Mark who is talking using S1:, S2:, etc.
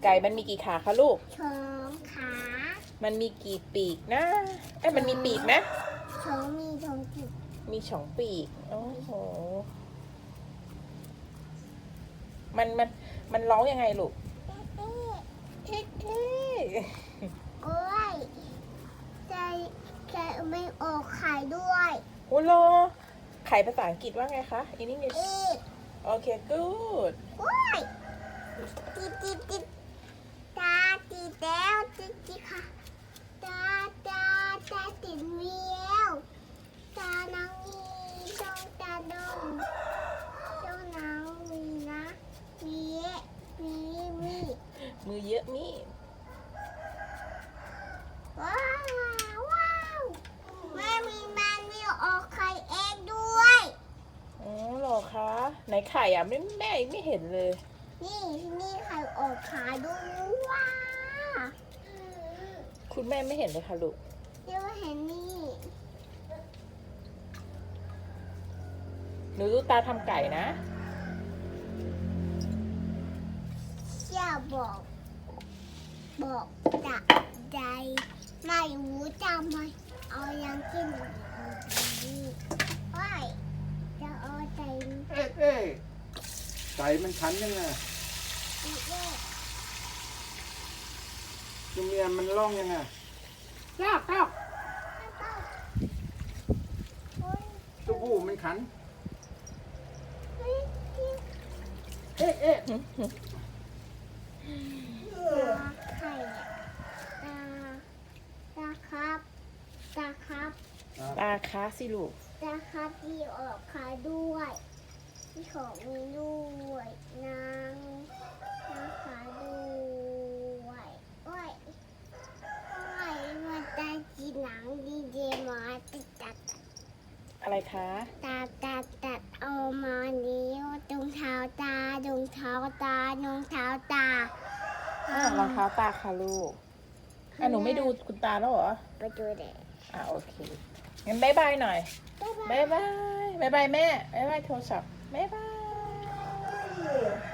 S1: ไก่มันมีกี่ขาคะลูก
S2: สองขา
S1: มันมีกี่ปีกนะมันมีปีกนะ
S2: สองมีสองจุด
S1: มีสองปีก โอ้โห มันร้องยังไงลูก เอ๊ะเอ๊ะ
S2: กล้วยใจไม่ออกไข่ด้วย
S1: โอ้โหไข่ภาษาอังกฤษว่าไงคะ In English โอเค good
S2: กล้วยติดตาติดแล้วติดค่ะตาติดเวียวตานางมีดงตาดงนางมีนะมีมี
S1: มือเยอะนี่
S2: ว้าวแม่มันมีออกไข่เองด้วย
S1: อ๋อเหรอคะ ไหนไข่อ่ะแม่ไม่เห็นเลย
S2: นี่ไข่ออกขาด้วยว้า
S1: คุณแม่ไม่เห็นเลยค่ะลูก
S2: เดี๋ยวเห็นนี่
S1: หนูดูตาทำไก่นะ
S2: เชี่ยบอกจะใจไม่รู้จะไม่เอายังกินนี่ว้ายจะเอาใจ
S3: เอ๊ะไก่มันขันยังไง
S2: อีกแล้ว
S3: ตัวเมียมันร้องยังไงลาก
S2: โอ้ย
S3: ตัวผู้มันขัน
S2: เฮ้ย
S3: เอ๊ะ
S2: ตาไข่ตาครับ
S1: ตาค้าสิลูก
S2: ตาครับที่ออกขาด้วยที่ของมีด้วยนางขาด้วยโอ้ยมันตาจีหนังดีเจมาตัด
S1: อะไรคะ
S2: ตัดเอามานิ้วตรงเท้าตารองเท้าตารองเท้าตาร
S1: องเท้าตาค่ะลูกหนูไม่ดูคุณตาแล้วเหรอ
S2: ไปดูเด็ก
S1: โอเค งั้นบ๊ายบายหน่อย บ๊ายบาย บ๊ายบายแม่ บ๊ายบายโทรศัพท์ บ๊ายบาย